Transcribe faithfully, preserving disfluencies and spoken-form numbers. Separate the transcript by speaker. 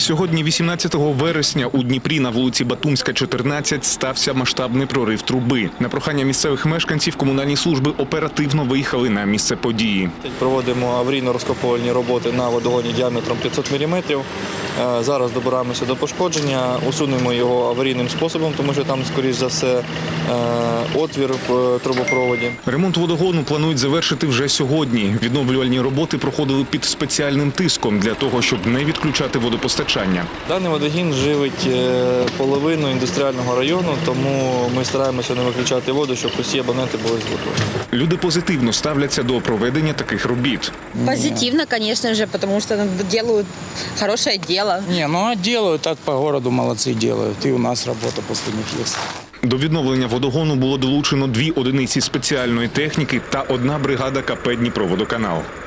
Speaker 1: Сьогодні, вісімнадцятого вересня, у Дніпрі на вулиці Батумська, чотирнадцять, стався масштабний прорив труби. На прохання місцевих мешканців комунальні служби оперативно виїхали на місце події.
Speaker 2: Проводимо аварійно-розкопувальні роботи на водогоні діаметром п'ятсот міліметрів. Зараз добираємося до пошкодження, усунемо його аварійним способом, тому що там, скоріш за все, отвір в трубопроводі.
Speaker 1: Ремонт водогону планують завершити вже сьогодні. Відновлювальні роботи проходили під спеціальним тиском для того, щоб не відключати водопостачання.
Speaker 2: Даний водогін живить половину індустріального району, тому ми стараємося не виключати воду, щоб усі абоненти були з водою.
Speaker 1: Люди позитивно ставляться до проведення таких робіт.
Speaker 3: Позитивно, конечно же, потому что делают хорошее дело.
Speaker 4: Не, ну а делают, так по городу молодцы делают. И у нас работа после них есть.
Speaker 1: До відновлення водогону було долучено дві одиниці спеціальної техніки та одна бригада КП «Дніпроводоканал».